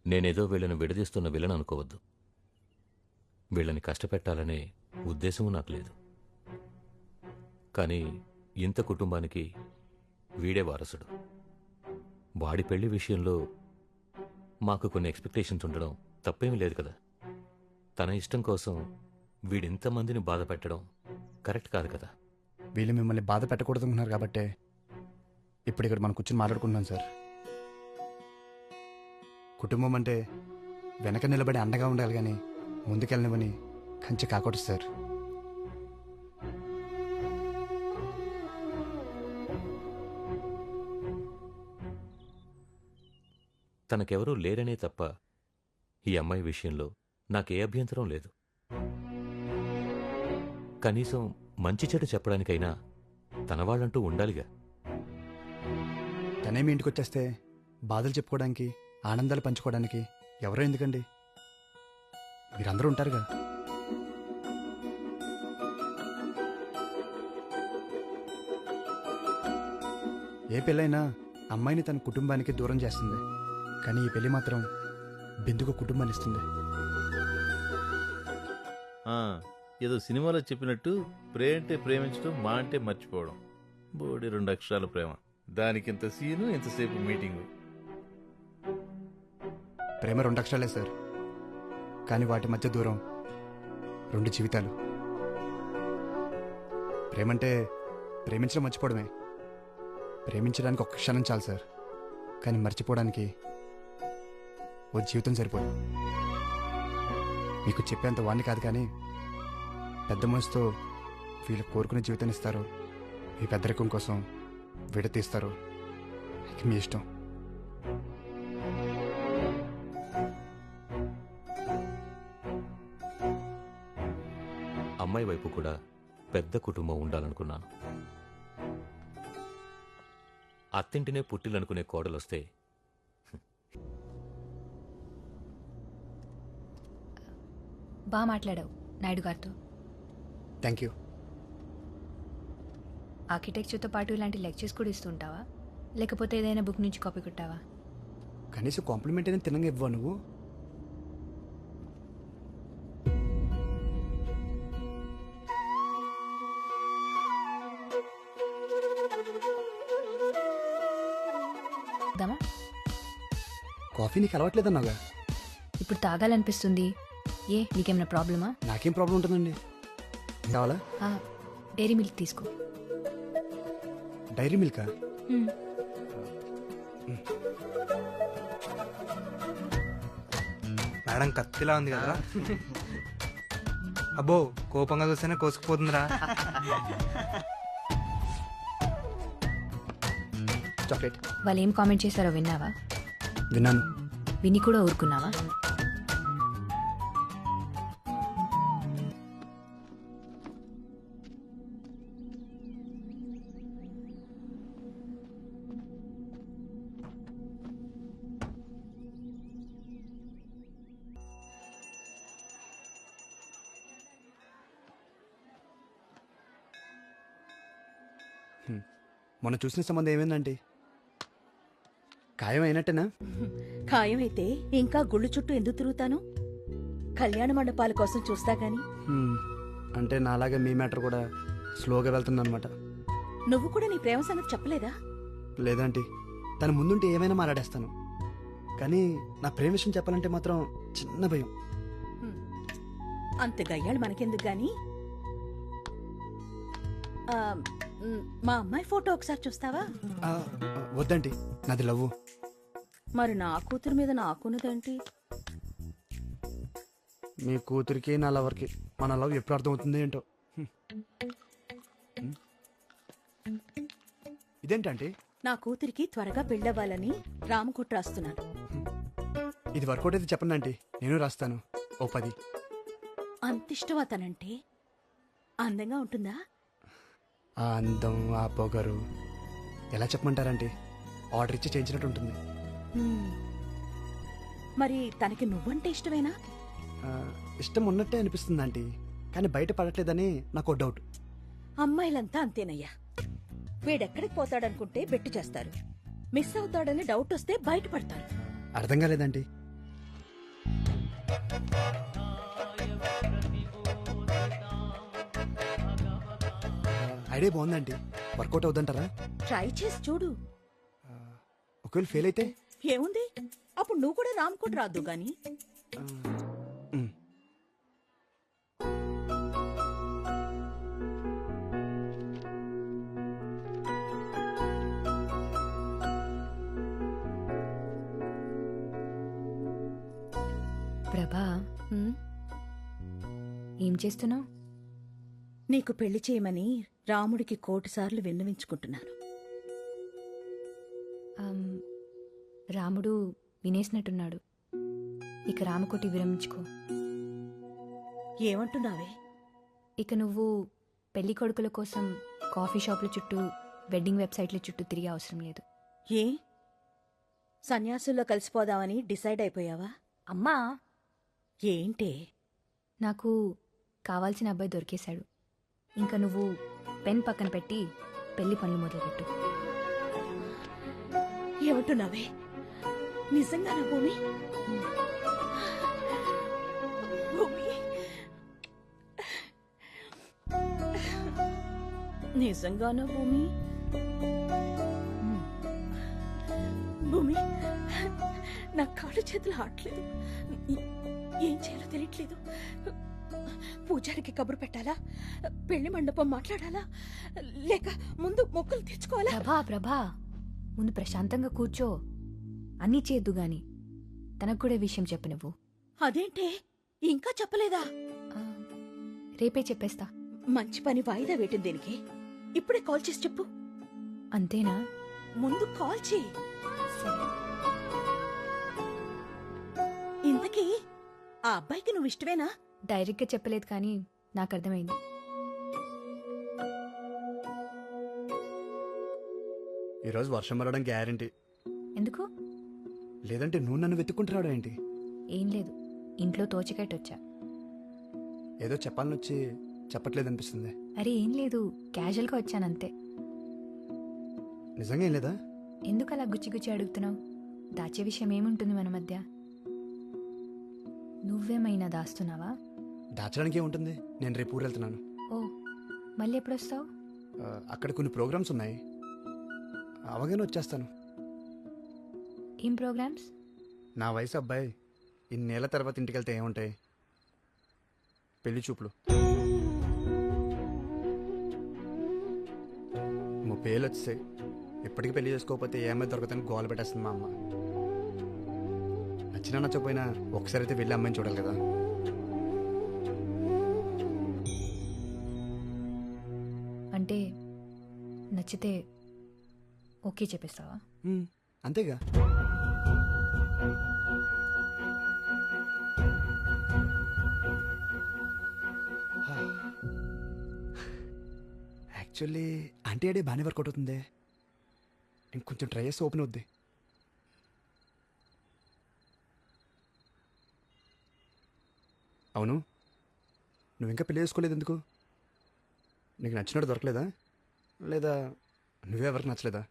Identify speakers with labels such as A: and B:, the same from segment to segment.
A: నేనేదో వీళ్ళని విడదీస్తున్న విలన్ అనుకోవద్దు. వీళ్ళని కష్టపెట్టాలనే ఉద్దేశము నాకు లేదు. కానీ ఇంత కుటుంబానికి వీడే వారసుడు. వాడి పెళ్లి విషయంలో మాకు కొన్ని ఎక్స్పెక్టేషన్స్ ఉండడం తప్పేమీ లేదు కదా. తన ఇష్టం కోసం వీడింతమందిని బాధ పెట్టడం కరెక్ట్ కాదు కదా.
B: వీళ్ళు మిమ్మల్ని బాధ పెట్టకూడదు అనుకున్నారు కాబట్టే ఇప్పుడు ఇక్కడ మనం కూర్చొని మాట్లాడుకుంటున్నాం సార్. కుటుంబం అంటే వెనక నిలబడి అండగా ఉండాలి కానీ ముందుకెళ్ళనివని కంచె కాకూడదు సార్.
A: తనకెవరూ లేరనే తప్ప ఈ అమ్మాయి విషయంలో నాకే అభ్యంతరం లేదు. కనీసం మంచి చెడు చెప్పడానికైనా తన వాళ్ళంటూ ఉండాలిగా.
B: తనేమి ఇంటికి వచ్చేస్తే బాధలు చెప్పుకోవడానికి ఆనందాలు పంచుకోవడానికి ఎవరో ఎందుకండి, మీరందరూ ఉంటారుగా. ఏ పెళ్ళైనా అమ్మాయిని తన కుటుంబానికి దూరం చేస్తుంది, కానీ ఈ పెళ్లి మాత్రం బిందుకు కుటుంబాన్ని ఇస్తుంది.
C: ఏదో సినిమాలో చెప్పినట్టు ప్రేమ అంటే ప్రేమించడం, మా అంటే మర్చిపోవడం. బోడి 2 అక్షరాల ప్రేమ, దానికి ఇంత సీను, ఇంతసేపు మీటింగు.
B: ప్రేమ 2 అక్షరాలే సార్, కానీ వాటి మధ్య దూరం 2 జీవితాలు. ప్రేమంటే ప్రేమించడం మర్చిపోవడమే. ప్రేమించడానికి ఒక్క క్షణం చాలు సార్, కానీ మర్చిపోవడానికి ఓ జీవితం సరిపోదు. మీకు చెప్పేంత వాణ్ణి కాదు, కానీ పెద్ద మనసుతో వీళ్ళు కోరుకునే జీవితాన్ని ఇస్తారు, ఈ పెద్దరికం కోసం విడతీస్తారు. ఇక మీ ఇష్టం.
A: అమ్మాయి వైపు కూడా పెద్ద కుటుంబం ఉండాలనుకున్నాను. అత్తింటినే పుట్టిలనుకునే కోడలొస్తే
D: బాగా మాట్లాడావు నాయుడు గారితో.
B: Thank you.
D: ఆర్కిటెక్చర్తో పాటు ఇలాంటి లెక్చర్స్ కూడా ఇస్తుంటావా, లేకపోతే ఏదైనా బుక్ నుంచి కాపీ కొట్టావా?
B: కనీసం కాంప్లిమెంట్ అయినా తినంగా ఇవ్వవా నువ్వు?
D: దమా
B: కాఫీ నీకు అలవాట్లేదన్నాగా.
D: ఇప్పుడు తాగాలనిపిస్తుంది. ఏ నీకేమైనా ప్రాబ్లమా?
B: నాకేం ప్రాబ్లం ఉంటుందండి. కావాలా?
D: డైరీ మిల్క్ తీసుకో.
B: డైరీ మిల్కా?
E: మేడం కత్తిలా ఉంది కదా. అబ్బో కోపంగా చూస్తేనే కోసుకుపోతుందిరా.
B: చాక్లెట్.
D: వాళ్ళు ఏం కామెంట్ చేశారో విన్నావా?
B: విన్నాను.
D: విని కూడా ఊరుకున్నావా?
B: మొన్న చూసిన సంబంధం ఏమైందంటే ఖాయం అయినట్టేనా?
F: ఖాయమైతే ఇంకా గుళ్ళు చుట్టూ ఎందుకు తిరుగుతాను? కళ్యాణ మండపాల కోసం చూస్తా గాని.
B: అంటే నాలాగే మీ మ్యాటర్ కూడా స్లోగా వెళ్తుందన్నమాట.
F: నువ్వు కూడా నీ ప్రేమ సంగతి చెప్పలేదా?
B: లేదంటే తన ముందుంటే ఏమైనా మాట్లాడేస్తాను, కానీ నా ప్రేమ విషయం చెప్పాలంటే మాత్రం చిన్న భయం.
F: అంత గయ్యాళ్ళు మనకెందుకు గాని. మా అమ్మాయి ఫోటో ఒకసారి చూస్తావా?
B: వద్దండి, నాది లవ్వు.
F: మరి నా కూతురు మీద నాకున్నదేంటి?
B: మీ కూతురికి నా లవర్కి మన లవ్ ఎప్పుడు అర్థమవుతుంది ఏంటో. ఇదేంటంటే
F: నా కూతురికి త్వరగా పెళ్ళవ్వాలని రామకుట్ర రాస్తున్నాను.
B: ఇది వర్కౌట్ అయితే చెప్పండి ఆంటీ, నేను రాస్తాను. ఓ 10.
F: అంతిష్టం అతనంటే. అందంగా ఉంటుందా?
B: ఆ అందం, ఆ పొగరు ఎలా చెప్పమంటారంటే ఆర్డర్ ఇచ్చి చేయించినట్టు ఉంటుంది.
F: మరి తనకి నువ్వంటే ఇష్టమేనా?
B: ఇష్టం ఉన్నట్టే అనిపిస్తుంది ఆంటీ, కానీ బయట పడట్లేదని నాకు డౌట్.
F: అమ్మాయిలంతా అంతేనయ్యా. వీడెక్కడికి పోతాడనుకుంటే బెట్టు చేస్తారు, మిస్ అవుతాడని డౌట్ వస్తే బయటపడతారు.
B: అర్థం కాలేదంటీ. ఐడియా బాగుందండి. వర్కౌట్ అవుతుంటారా?
F: ట్రై చేసి చూడు.
B: ఒకవేళ ఫెయిల్ అయితే?
F: ఏముంది, అప్పుడు నువ్వు కూడా రామ్కోట్ రాదు గాని.
B: మ్.
D: ప్రభా,
F: హ్మ్?
D: ఏం చేస్తున్నావు?
F: నీకు పెళ్లి చేయమని రాముడికి 1,000 సార్లు విన్నవించుకుంటున్నాను.
D: రాముడు వినేసినట్టున్నాడు. ఇక రామకోటి విరమించుకో.
F: ఏమంటున్నావే?
D: ఇక నువ్వు పెళ్లి కొడుకుల కోసం కాఫీ షాపుల చుట్టూ, వెడ్డింగ్ వెబ్సైట్ల చుట్టూ తిరిగే అవసరం లేదు.
F: ఏ సన్యాసుల్లో కలిసిపోదామని డిసైడ్ అయిపోయావా?
D: అమ్మా,
F: ఏంటే?
D: నాకు కావాల్సిన అబ్బాయి దొరికేశాడు. ఇంకా నువ్వు పెన్ పక్కన పెట్టి పెళ్లి పనులు మొదలుపెట్టు.
F: ఏమంటున్నావే? నిజంగానా భూమి? భూమి, నిజంగానా భూమి? భూమి, నా కాళ్ళు చేతులు ఆడలేదు. ఏం చేయాలో తెలియట్లేదు. పూజారికి కబురు పెట్టాలా? పెళ్లి మండపం మాట్లాడాలా? లేక ముందు మొక్కులు తెచ్చుకోవాలా?
D: ప్రభా, ముందు ప్రశాంతంగా కూర్చో. అన్నీ చేద్దు గాని తనకు కూడా ఈ విషయం చెప్పు నువ్వు.
F: అదేంటే ఇంకా చెప్పలేదా?
D: ఆ, రేపే చెప్పేస్తా.
F: మంచి పని వాయిదా వేయటం దేనికి? ఇప్పుడే కాల్ చేసి చెప్పు.
D: అంతేనా?
F: ముందు కాల్ చేయి.
D: సరే.
F: ఇంతకీ ఆ అబ్బాయికి నువ్వు ఇష్టమేనా?
D: డైరెక్ట్గా చెప్పలేదు కానీ నాకు అర్థమైంది.
B: ఈరోజు వర్షం పడడం గ్యారంటీ.
D: ఎందుకు?
B: లేదంటే నువ్వు నన్ను వెతుక్కుంటున్నాడు ఏంటి?
D: ఏం లేదు, ఇంట్లో తోచకట్టొచ్చా.
B: ఏదో చెప్పాలని వచ్చి చెప్పట్లేదు అనిపిస్తుంది.
D: అరే ఏం లేదు, క్యాజువల్గా వచ్చానంతే.
B: నిజంగా ఏం లేదా?
D: ఎందుకు అలా గుచ్చి గుచ్చి అడుగుతున్నావు? దాచే విషయం ఏముంటుంది మన మధ్య? నువ్వేమైనా దాస్తున్నావా?
B: దాచడానికి ఏముంటుంది? నేను రేపు ఊరు వెళ్తున్నాను.
D: ఓ, మళ్ళీ ఎప్పుడొస్తావు?
B: అక్కడ కొన్ని ప్రోగ్రామ్స్ ఉన్నాయి, అవగానే వచ్చేస్తాను.
D: ఏం ప్రోగ్రామ్స్?
B: నా వయసు అబ్బాయి ఇన్నేళ్ల తర్వాత ఇంటికి వెళ్తే ఏముంటాయి? పెళ్లి చూపులు. 30 ఏళ్ళు వచ్చేసాయి. ఇప్పటికీ పెళ్లి చేసుకోకపోతే ఏమై దొరకదని గోల పెట్టేస్తుంది మా అమ్మ. నచ్చినా నచ్చకపోయినా ఒకసారి అయితే వెళ్ళి అమ్మాయిని చూడాలి కదా.
D: అంటే నచ్చితే ఓకే చెప్పేస్తావా?
B: అంతేగా. యాక్చువల్లీ ఆంటీ అడే బాగానే వర్కౌట్ అవుతుంది. ఇంకొంచెం ట్రై చేస్తే ఓపెన్ అవుద్ది. అవును, నువ్వు ఇంకా పెళ్లి చేసుకోలేదు ఎందుకు? నీకు నచ్చినట్టు దొరకలేదా? లేదా నువ్వే ఎవరికి నచ్చలేదా?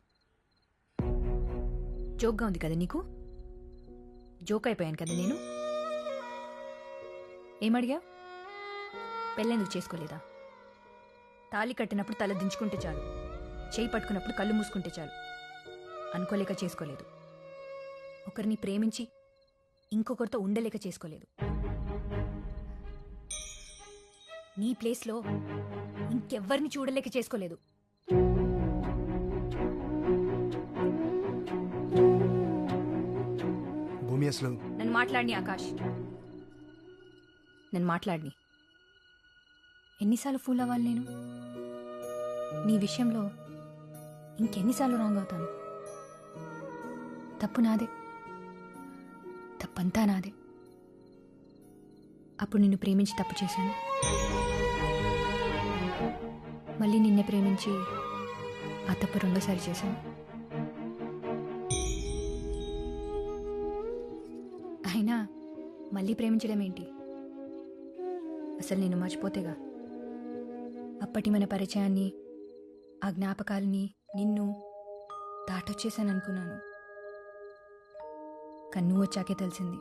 D: జోక్గా ఉంది కదా నీకు? జోక్ అయిపోయాను కదా నేను. ఏమడిగా? పెళ్ళెందుకు చేసుకోలేదా? తాళి కట్టినప్పుడు తల దించుకుంటే చాలు, చేయి పట్టుకున్నప్పుడు కళ్ళు మూసుకుంటే చాలు అనుకోలేక చేసుకోలేదు. ఒకరిని ప్రేమించి ఇంకొకరితో ఉండలేక చేసుకోలేదు. నీ ప్లేస్లో ఇంకెవ్వరిని చూడలేక చేసుకోలేదు.
B: భూమి అసలు
D: నన్ను మాట్లాడిని ఆకాష్, నన్ను మాట్లాడిని. ఎన్నిసార్లు ఫూల్ అవ్వాలి నేను? నీ విషయంలో ఇంకెన్నిసార్లు రాంగ్ అవుతాను? తప్పు నాదే, తప్పంతా నాదే. అప్పుడు నిన్ను ప్రేమించి తప్పు చేశాను, మళ్ళీ నిన్నే ప్రేమించి ఆ తప్పు రెండోసారి చేశాను. అయినా మళ్ళీ ప్రేమించడం ఏంటి? అసలు నేను మర్చిపోతేగా. అప్పటి మన పరిచయాన్ని, ఆ జ్ఞాపకాలని, నిన్ను దాటొచ్చేసాను అనుకున్నాను. కానీ నువ్వు వచ్చాకే తెలిసింది